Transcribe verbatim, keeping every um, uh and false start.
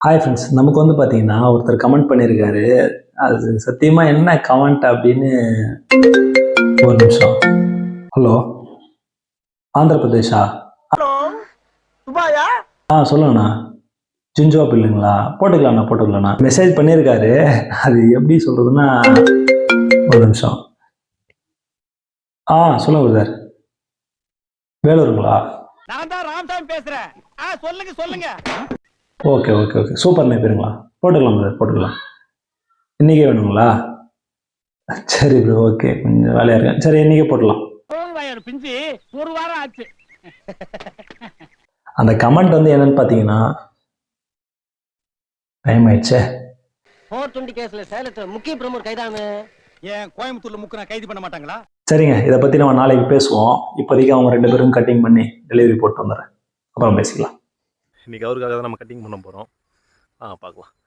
Hi friends, நமக்கு வந்து பார்த்தீங்கன்னா ஒருத்தர் கமெண்ட் பண்ணியிருக்காரு. அது சத்தியமா என்ன கமெண்ட் அப்படின்னு ஒரு நிமிஷம். ஹலோ, ஆந்திர பிரதேஷா? ஹலோ துபாயா? ஆ சொல்லுங்கண்ணா. ஜின்ஜோ இல்லைங்களா? போட்டுக்கலாண்ணா போட்டுக்கலாண்ணா. மெசேஜ் பண்ணியிருக்காரு. அது எப்படி சொல்றதுன்னா, ஒரு நிமிஷம். ஆ சொல்லுங்க பிரதர். வேலூருங்களா? நான் தான் ராமசாமி பேசுறேன். ஆ சொல்லுங்க சொல்லுங்க. ஓகே ஓகே ஓகே சூப்பர் பேருங்களா? போட்டுக்கலாம் பிரதர் போட்டுக்கலாம். இன்னைக்கே வேணுங்களா? சரி ப்ரோ, ஓகே, கொஞ்சம் வேலையா இருக்கேன். சரி, இன்னைக்கே போடலாம். பிஞ்சு ஒரு வாரம் ஆச்சு. அந்த கமெண்ட் வந்து என்னன்னு பார்த்தீங்கன்னா, டைம் ஆயிடுச்சே. போர் டுவெண்ட்டி கேஸ்ல சேலத்துல முக்கிய பிரமுகர் கைதானு. ஏன் கோயம்புத்தூர்ல முக்கு கைது பண்ண மாட்டாங்களா? சரிங்க, இதை பற்றி நம்ம நாளைக்கு பேசுவோம். இப்போதைக்கு அவங்க ரெண்டு பேரும் கட்டிங் பண்ணி டெலிவரி போட்டு வந்துடுறேன். அப்புறம் பேசிக்கலாம். இன்னைக்கு அவருக்காக தான் நம்ம கட்டிங் பண்ண போகிறோம். ஆ பார்க்கலாம்.